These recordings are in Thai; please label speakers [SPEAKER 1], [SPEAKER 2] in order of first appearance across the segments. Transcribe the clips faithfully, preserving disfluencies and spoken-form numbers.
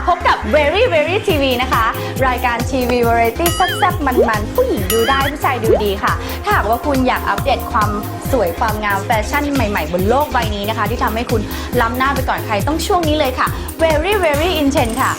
[SPEAKER 1] พบกับ Very Very ที วี นะคะ รายการทีวีวาไรตี้แซ่บๆมันๆผู้หญิงดูได้ผู้ชายดูดีค่ะถ้าหากว่าคุณอยากอัปเดตความสวยความงามแฟชั่นใหม่ๆบนโลกใบนี้นะคะที่ทำให้คุณล้ำหน้าไปก่อนใครต้องช่วงนี้เลยค่ะ Very Very Intense ค่ะ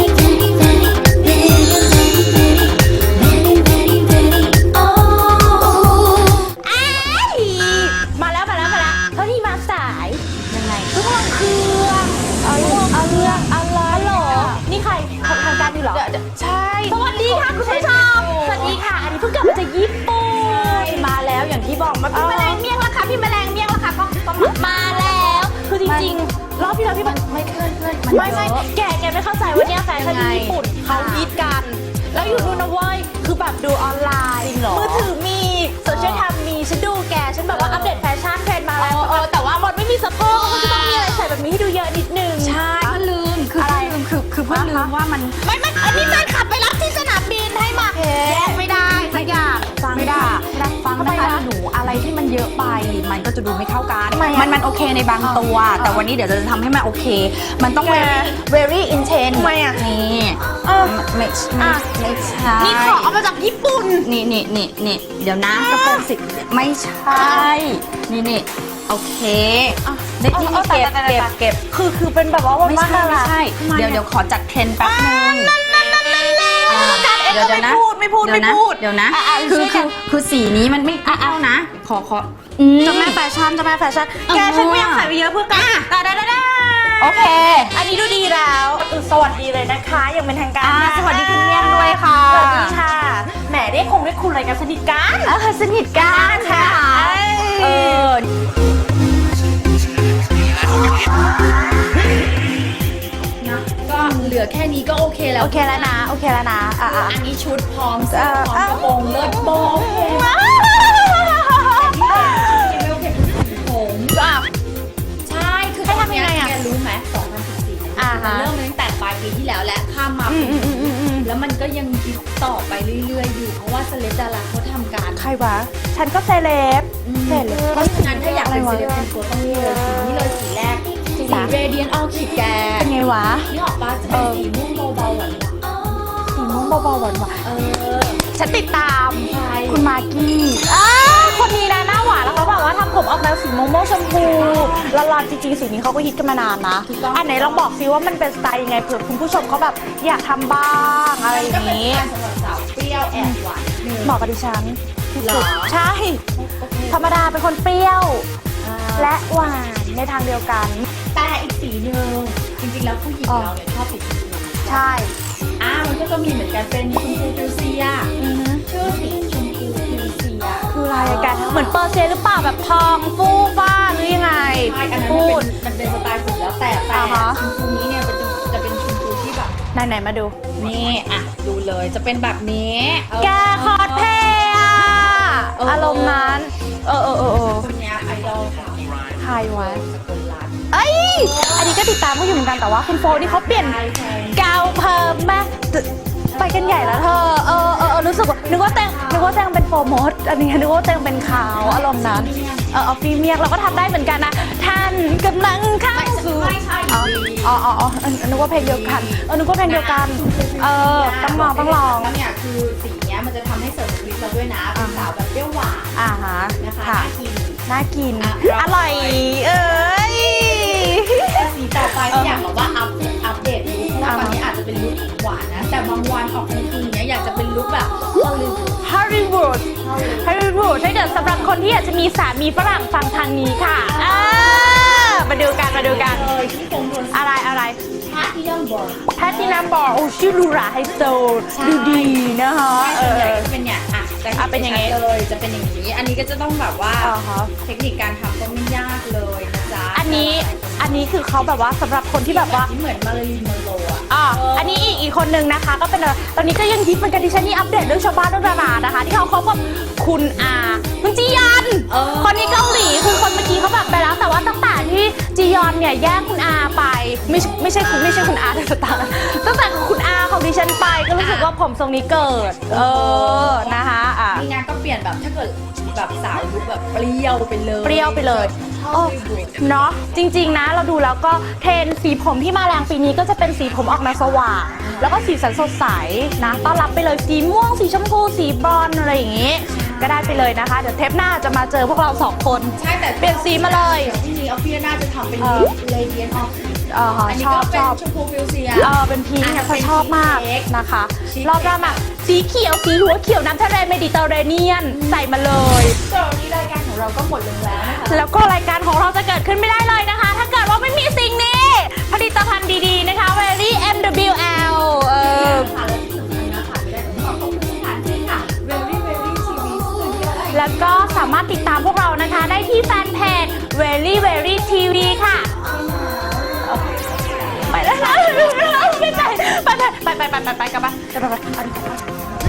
[SPEAKER 1] มาแล้วมาแล้วมาแล้วเท่าที่มาสายยังไงทุกคนคือเอาเรื่องเอาเรื่องอะไรหรอนี่ใครทางการอยู่หรอใช่สวัสดีค่ะคุณผู้ชมสวัสดีค่ะอันนี้เพิ่งกลับมาจากญี่ปุ่นมาแล้วอย่างที่บอกมาพี่แมลงเมี่ยงละค่ะพี่แมลงเมี่ยงละค่ะก็มาแล้วคือจริงๆรอบที่แล้วพี่มันไม่เพื่อนเพื่อนไม่ไม่แกแกไม่เข้าใจว่าเนี่ยแฟชั่นที่ญี่ปุ่นเขาฮิตกันแล้วอยู่ดูนะเว้ยคือแบบดูออนไลน์มือถือมีโซเชียลแคมมีฉันดูแกฉันแบบว่าอัปเดตแฟชั่นเทรนด์มาแล้วเออแต่ว่ามันไม่มีสะโพกเขาจะต้องมีอะไรใส่แบบนี้ให้ดูเยอะนิดนึงใช่ก็ลืมคืออะไรลืมคือคือเพิ่งลืมว่ามันไม่ไม่อันนี้แฟนขับไปรับที่สนามบินให้มาแยกไม่ได้สักอย่างไม่ได้ฟังนะคะหนูอะไรที่มันเยอะไปมันก็จะดูไม่เข้ากันมันมันโอเคในบางตัวแต่วันนี้เดี๋ยวจะทำให้มันโอเคมันต้อง very very intense ทำไมอ่ะนี่ไม่ไม่ไม่ใช่นี่ขอเอามาจากญี่ปุ่นนี่นี่นี่นี่เดี๋ยวนะกระโปรงสิไม่ใช่นี่นี่โอเคนี่นี่เก็บเก็บเก็บคือคือเป็นแบบว่าไม่ใช่ไม่ใช่เดี๋ยวเดี๋ยวขอจัดเทรนด์แป๊บนึงเดี๋ยวเดี๋ยวนะไม่พูดไม่พูดเดี๋ยวนะคือคือคือสีนี้มันไม่เอานะขอขอจะแม่แฟชั่นจะแม่แฟชั่นแกฉันไม่อยากใส่ไปเยอะเพื่อกันได้ได้ได้โอเคอันนี้ดูดีแล้วสวัสดีเลยนะคะยังเป็นทางการสวัสดีคุณเมี่ยงด้วยค่ะสวัสดีค่ะแหมได้คงได้คุณอะไรกันสนิทกันเออสนิทกันค่ะเออก็เหลือแค่นี้ก็โอเคแล้วโอเคแล้วนะโอเคแล้วนะอ่ะอันนี้ชุดพร้อมเสื้อพร้อมกระโปรงเลิศโบโอเคผมก็ใช่คือตอนนี้แกรู้ไหมสองพันสิบสี่มันเริ่มตั้งแต่ปลายปีที่แล้วและข้ามมาปีแล้วมันก็ยังคิดต่อไปเรื่อยๆอยู่เพราะว่าเซเลบดาราเขาทำการใครวะฉันก็เซเลบเซเลบเพราะฉะนั้นถ้าอยากเป็นเซเลบเป็นตัวต้องนี่เลยสีนี้เลยสีแรกสีเรเดียนออคิดแกเป็นไงวะนี่ออกปะจะเป็นสีม่วงเบาๆหวานๆสีม่วงเบาๆหวานๆเออฉันติดตามคุณมากกี้คนนี้นะหน้าหวานแล้วเขาบอกว่าทำผมออกแนวสีม่วงชมพูละลานจริงๆสีนี้เขาก็ฮิตกันมานานนะอันไหนลองบอกซิว่ามันเป็นสไตล์ยังไงเผื่อคุณผู้ชมเขาแบบอยากทำบ้างอะไรอย่างนี้สำหรับสาวเปรี้ยวแอบหวานเหมาะกับดิฉันที่สุดใช่ธรรมดาเป็นคนเปรี้ยวและหวานในทางเดียวกันแต่อีกสีหนึ่งจริงๆแล้วผู้หญิงเราเนี่ยชอบสีชมพูใช่อ่ามันก็จะมีเหมือนกันเป็นชมพูฟิวเซียชื่อสีชมพูฟิวเซียคืออะไรกันเหมือนเปอร์เซียหรือเปล่าแบบทองฟูฟ้าหรือยังไงใช่อันนั้นมันเป็นสไตล์ผมแล้วแต่แต่ชมพูนี้เนี่ยมันจะเป็นชมพูที่แบบไหนๆมาดูนี่อ่ะดูเลยจะเป็นแบบนี้แกคอสเพย์อะอารมณ์นั้นเออเออเออคนนี้ไอดอลค่ะใครวะเอ้ยอันนี้ก็ติดตามเขาอยู่เหมือนกันแต่ว่าคุณโฟนี่เขาเปลี่ยนกาวเพิ่มมาไปกันใหญ่แล้วเธอเออเออรู้สึกว่านึกว่าแตงนึกว่าแตงเป็นโฟร์มดอันนี้นึกว่าแตงเป็นขาวอารมณ์นั้นเออเอาฟรีเมียกเราก็ทำได้เหมือนกันนะท่านกำลังเข้าสู่อ๋ออ๋ออ๋อนึกว่าเพลงเดียวกันเออนึกว่าเพลงเดียวกันเออต้องลองต้องลองเนี่ยคือสีเนี้ยมันจะทำให้เสริมลิปเราด้วยนะเป็นสาวแบบเปรี้ยวหวานอ่าฮะนะคะน่ากินน่ากินอร่อยเอ้ยสีต่อไปอยากบอกว่าอัพอัปเดตลุคเพราะว่าตอนนี้อาจจะเป็นลุคหวานนะแต่บางวันออกกลางคืนเนี้ยอยากจะเป็นลุคแบบฮอลลีวูดฮอลลีวูดถ้าเกิดสำหรับคนที่อยากจะมีสามีฝรั่งฟังทางนี้ค่ะมาดูกันมาดูกันอะไรอะไรแพทตินัมบอร์แพทตินัมบอร์โอ้ชื่อลูราไฮโซดูดีนะคะเออจะเป็นเนี่ยอ่ะจะเป็นอย่างนี้เลยจะเป็นอย่างนี้อันนี้ก็จะต้องแบบว่าเทคนิคการทำก็ไม่ยากเลยนะจ๊ะอันนี้อันนี้คือเขาแบบว่าสำหรับคนที่แบบว่าเหมือนมาริลีนมอนโรอ่ะอ่าอันนี้อีกอีกคนนึงนะคะก็เป็นตอนนี้ก็ยังฮิตเหมือนกันดิฉันนี่อัปเดตเรื่องชาวบ้านเรื่องดารานะคะที่เขาเขาแบบคุณอาคุณจียอนคนนี้เกาหลีคือคนเมื่อกี้เขาแบบไปแล้วแต่ว่าตั้งแต่ที่จียอนเนี่ยแย่งคุณอาไปไม่ไม่ใช่คุณไม่ใช่คุณอาแต่ตาตั้งแต่คุณอาของดิ
[SPEAKER 2] ดิฉันไปก็รู้สึกว่าผมทรงนี้เกิดเออนะคะอ่ะ
[SPEAKER 1] มีงานก็เปลี่ยนแบบถ้าเกิดแบบสาวลุคแบบเปรี้ยวไปเลย
[SPEAKER 2] เปรี้ยวไปเลย
[SPEAKER 1] โอ้
[SPEAKER 2] เนาะจริงๆนะเราดูแล้วก็เทรนด์สีผมที่มาแรงปีนี้ก็จะเป็นสีผมออกแนวสว่างแล้วก็สีสันสดใสนะต้อนรับไปเลยสีม่วงสีชมพูสีบรอนซ์อะไรอย่างงี้ ก็ได้ไปเลยนะคะเดี๋ยวเทปหน้าจะมาเจอพวกเราสองคน
[SPEAKER 1] ใช่แต่
[SPEAKER 2] เปลี่ยนสีมาเลย
[SPEAKER 1] จริงๆออฟฟี่น่าจะทำเป็น
[SPEAKER 2] เออ
[SPEAKER 1] เลเดียนออฟ
[SPEAKER 2] เออ
[SPEAKER 1] อันนี้
[SPEAKER 2] ชอ
[SPEAKER 1] ก็
[SPEAKER 2] บ
[SPEAKER 1] เป็
[SPEAKER 2] ช
[SPEAKER 1] น
[SPEAKER 2] อบ
[SPEAKER 1] ชมพูฟิวเซีย
[SPEAKER 2] เออเป็นพีชเนี่ยเขาชอบมาก
[SPEAKER 1] เป็นชีสเค้ก
[SPEAKER 2] นะคะ
[SPEAKER 1] ชีสเค้ก
[SPEAKER 2] รอบหน้ามาสีเขียวสีหัวเขียวน้ำทะเลเมดิเตอร์เรเนียนใส่มาเลย
[SPEAKER 1] สำหรับวันนี้รายการของเราก็หมดลงแล้วนะคะ
[SPEAKER 2] แล้วก็รายการของเราจะเกิดขึ้นไม่ได้เลยนะคะ ถ้าเกิดว่าไม่มีสิ่งนี้ ผลิตภัณฑ์ดีๆนะคะ Very เอ็ม ดับเบิลยู แอล เออ
[SPEAKER 1] ค่ะและที่สำคัญนะคะไม่ได้ต้องขอขอบคุณสถานที่ค่ะ Very Very ที วี Studio
[SPEAKER 2] แล้วก็สามารถติดตามพวกเรานะคะ ได้ที่แฟนเพจ Very Very ที วี ค่ะ ไปแล้วนะไปไปไปไปไปไปไปไปไปกันไปไปไปไป